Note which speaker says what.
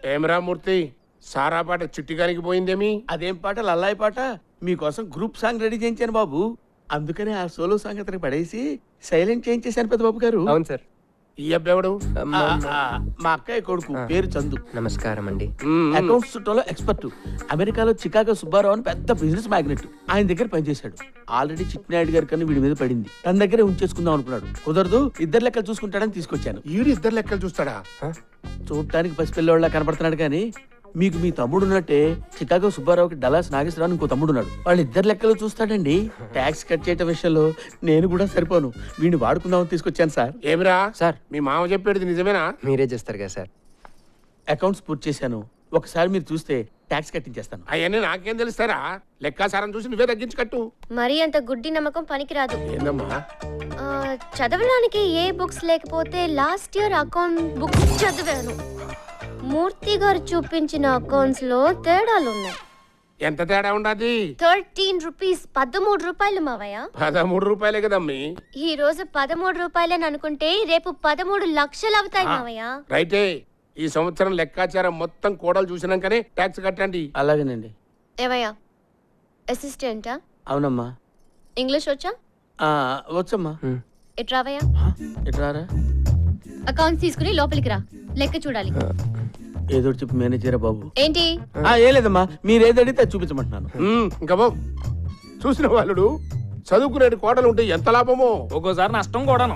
Speaker 1: ఏమరా మూర్తి సారా పాట చిట్టిగానికి పోయిందేమి?
Speaker 2: అదేం పాట లల్లాయి పాట మీకోసం గ్రూప్ సాంగ్ రెడీ చేయించాను బాబు. అందుకనే ఆ సోలో సాంగ్ అతనికి పడేసి సైలెంట్ చేయించేశాను పెద్ద బాబు గారు.
Speaker 3: అవును సార్.
Speaker 1: ఈ అబ్బెవడు?
Speaker 2: మా అక్కయ్య కొడుకు, పేరు చందు.
Speaker 3: నమస్కారం అండి.
Speaker 2: అకౌంట్స్ చుట్టంలో ఎక్స్పర్ట్. అమెరికాలో చికాగో సుబ్బారావు అని పెద్ద బిజినెస్ మ్యాగ్నెట్. ఆయన దగ్గర పనిచేశాడు. ఆల్రెడీ చిట్టినాయుడు గారి కన్నా వీడి మీద పడింది. తన దగ్గరే ఉంచేసుకుందాం అనుకున్నాడు. కుదరదు, ఇద్దరు లెక్కలు చూసుకుంటాడని తీసుకొచ్చాను.
Speaker 1: ఈడు ఇద్దరు లెక్కలు చూస్తాడా?
Speaker 2: చూడటానికి పసిపిల్లవాళ్ళ కనపడుతున్నాడు కానీ మీకు మీ తమ్ముడు ఉన్నట్టే చికాగో సుబ్బారావుకి డలాస్ నాగేశ్వరరావు ఇంకో తమ్ముడు ఉన్నాడు. వాళ్ళు ఇద్దరు లెక్కలు చూస్తాడండి. ట్యాక్స్ కట్ చేయటం విషయంలో నేను కూడా సరిపోను. వీడిని వాడుకుందామని తీసుకొచ్చాను సార్.
Speaker 1: ఏమిరా
Speaker 3: సార్.
Speaker 1: మీ మామ చెప్పేది నిజమేనా?
Speaker 3: మీరే చేస్తారు కదా సార్.
Speaker 2: అకౌంట్స్ పూర్తి చేశాను. ఒకసారి మీరు చూస్తే ట్యాక్స్ కట్టించేస్తాను.
Speaker 1: అవన్నీ నాకేం తెలుస్తారా? లెక్కాసారం చూసి నువ్వే తగ్గించి కట్టు.
Speaker 4: మరీ అంత గుడ్డి నమ్మకం పనికిరాదు.
Speaker 1: ఏందమ్మా?
Speaker 4: చదవడానికి ఏ బుక్స్ లేకపోతే లాస్ట్ ఇయర్ అకౌంట్ బుక్ చదివాను. మూర్తి గారు చూపించిన అకౌంట్స్ లో తేడాలు ఉన్నాయి.
Speaker 1: ఎంత తేడా ఉండదు?
Speaker 4: 13 రూపీస్, 13 రూపాయలు మావయ్య.
Speaker 1: 13 రూపాయలే కదమ్మీ.
Speaker 4: ఈ రోజు 13 రూపాయలని అనుకుంటే రేపు 13 లక్షలు అవుతాయి మావయ్య.
Speaker 1: రైటే. ఈ సంవత్సరం లెక్కాచారం మొత్తం కోడలు చూసినాకనే ట్యాక్స్ కట్టండి.
Speaker 2: అలాగేనండి.
Speaker 4: ఏవయ్యా అసిస్టెంటా?
Speaker 2: అవునమ్మా.
Speaker 4: ఇంగ్లీష్ వచ్చా?
Speaker 2: వచ్చమ్మా.
Speaker 4: ఎట్రావయ్యా?
Speaker 2: ఎట్రారా?
Speaker 4: అకౌంట్స్ తీసుకుని లోపలికి రా, లెక్క చూడాలి.
Speaker 2: ఏదో చెప్పి మేనేజరా బాబు.
Speaker 4: ఏంటి?
Speaker 2: ఏం లేదమ్మా, మీరేది అడిగితే చూపించమంటున్నాను.
Speaker 1: ఇంకా బాబు చూసిన వాళ్ళు చదువుకునే కోడలు ఉంటే ఎంత లాభమో.
Speaker 5: ఒక్కోసారి నష్టం కూడాను.